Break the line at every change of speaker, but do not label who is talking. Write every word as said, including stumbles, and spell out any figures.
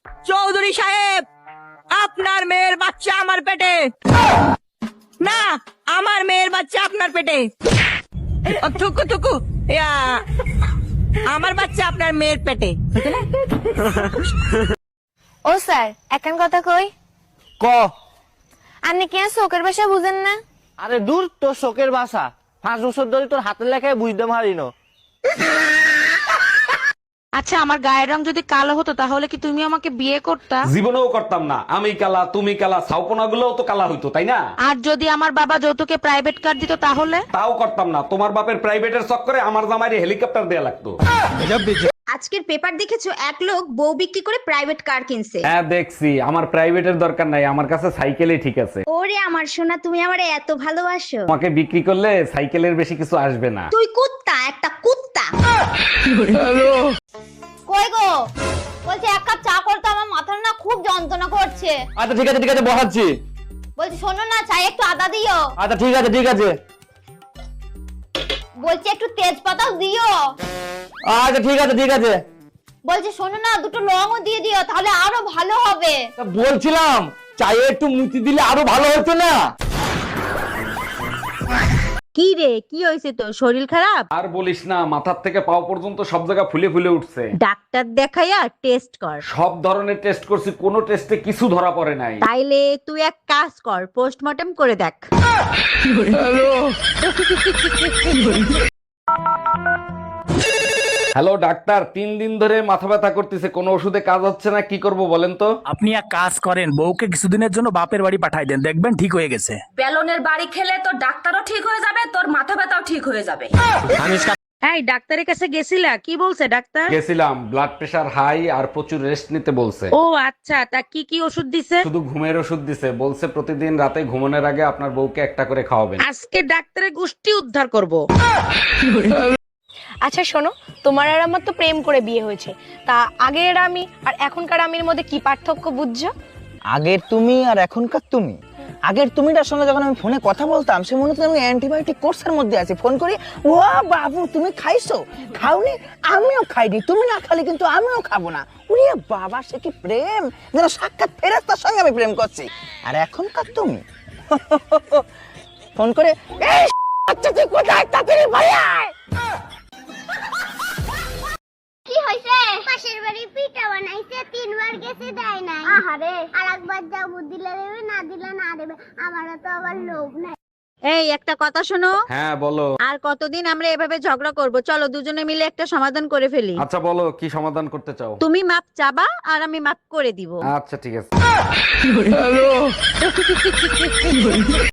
চৌধুরী সাহেব, আপনার মেয়ের বাচ্চা আমার পেটে। না, আমার মেয়ের বাচ্চা আপনার পেটে। ও, থুকু থুকু ইয়া, আমার বাচ্চা আপনার মেয়ের পেটে।
ও স্যার, এখন কথা কই।
ক
আপনি কি আর শোকের ভাষা বুঝেন না?
আরে দূর, তোর শোকের ভাষা পাঁচ বছর ধরে তোর হাতের লেখায় বুঝতে পারিনো।
আচ্ছা, আমার গায়ের রং যদি কালো হতো তাহলে কি তুমি আমাকে বিয়ে করতা?
জীবনেও করতাম না। আমি কালা, তুমি কালা, ছাউপনা গুলোও তো কালা হইতো, তাই না?
আর যদি আমার বাবা যৌতুকে প্রাইভেট কার দিত তাহলে?
তাও করতাম না। তোমার বাপের প্রাইভেটের চক্করে আমার জামাইরে হেলিকপ্টার দেয়া লাগতো।
আজকের পেপার দেখেছো, এক লোক বউ বিক্রি করে প্রাইভেট কার কিনছে।
হ্যাঁ দেখছি। আমার প্রাইভেটের দরকার নাই, আমার কাছে সাইকেলই ঠিক আছে।
ওরে আমার সোনা, তুমি আমারে এত ভালোবাসো।
তোমাকে বিক্রি করলে সাইকেলের বেশি কিছু আসবে না।
তুই কুত্তা, একটা কুত্তা।
কই গো, বলছি এক কাপ চা করতে, আমার মাথার না খুব যন্ত্রণা করছে।
আচ্ছা ঠিক আছে ঠিক আছে, বসাচ্ছি।
বলছি শোনো না, চাই একটু আদা দিও।
আচ্ছা ঠিক আছে ঠিক আছে।
বলছি একটু তেজপাতাও দিও।
আচ্ছা ঠিক আছে ঠিক আছে।
বলছি শোনো না, দুটো লংও দিয়ে দিও, তাহলে আরো ভালো হবে।
তা বলছিলাম চায়ে একটু মুচি দিলে আরো ভালো হতো না?
কি রে, কি হয়েছে তোর? শরীর খারাপ?
আর বলিস না, মাথার থেকে পাও পর্যন্ত সব জায়গা ফুলে ফুলে উঠছে।
ডাক্তার দেখাইয়া টেস্ট কর।
সব ধরনের টেস্ট করছি, কোনো টেস্টে কিছু ধরা পড়ে নাই।
তাইলে তুই এক কাজ কর, পোস্টমর্টম করে দেখ।
হ্যালো ডাক্তার, তিন দিন ধরে মাথা ব্যথা করতেছে, কোনো ওষুধে কাজ হচ্ছে না, কি করব বলেন তো?
আপনি এক কাজ করেন, বউকে কিছুদিনের জন্য বাপের বাড়ি পাঠাই দেন, দেখবেন ঠিক হয়ে গেছে।
বেলনের বাড়ি খেলে তোর ডাক্তারও ঠিক হয়ে যাবে, তোর মাথা ব্যথাও ঠিক হয়ে যাবে।
এই ডাক্তারের কাছে গেছিলা? কি বলছে ডাক্তার?
গেছিলাম, ব্লাড প্রেশার হাই আর প্রচুর রেস্ট নিতে বলছে।
ও আচ্ছা, তা কি কি ওষুধ দিছে?
শুধু ঘুমের ওষুধ দিছে, বলছে প্রতিদিন রাতে ঘুমানোর আগে আপনার বউকে একটা করে খাওয়াবেন।
আজকে ডাক্তারের গোষ্ঠী উদ্ধার করব।
আচ্ছা শোনো, তোমার আর আমার তো প্রেম করে বিয়ে হয়েছে, তা আগের আমি আর এখনকার আমির মধ্যে কি পার্থক্য বুঝছো?
আগের তুমি আর এখনকার তুমি। আগের তুমিটার সঙ্গে যখন আমি ফোনে কথা বলতাম, সে মনে হতো আমি অ্যান্টিবায়োটিক কোর্সের মধ্যে আছি। ফোন করি, ও বাবু তুমি খাইছো? খাওনি? আমিও খাইনি। তুমি না খালি কিন্তু আমিও খাবো না। ওরে বাবা, সে কি প্রেম! যেন সাক্ষাৎ ফেরেশতার সঙ্গে আমি প্রেম করছি। আর এখনকার তুমি ফোন করে, এই আচ্ছা তুই কোথায়, তাড়াতাড়ি বাড়ি আয়।
কি হইছে? পাশের বাড়ি পিঠা বানাইছে, তিনবার গেছে দেয় নাই। আহারে, আরেকবার যাবো, দিলে দেবে, না দিলে না দেবে। আমারও তো আবার লোভ নাই।
এই একটা কথা শোনো,
হ্যাঁ বলো।
আর কতদিন আমরা এভাবে ঝগড়া করব? চলো দুজনে মিলে একটা সমাধান করে ফেলি।
আচ্ছা বলো, কি সমাধান করতে চাও?
তুমি মাপ চাবা আর আমি মাপ করে দিব।
আচ্ছা ঠিক আছে।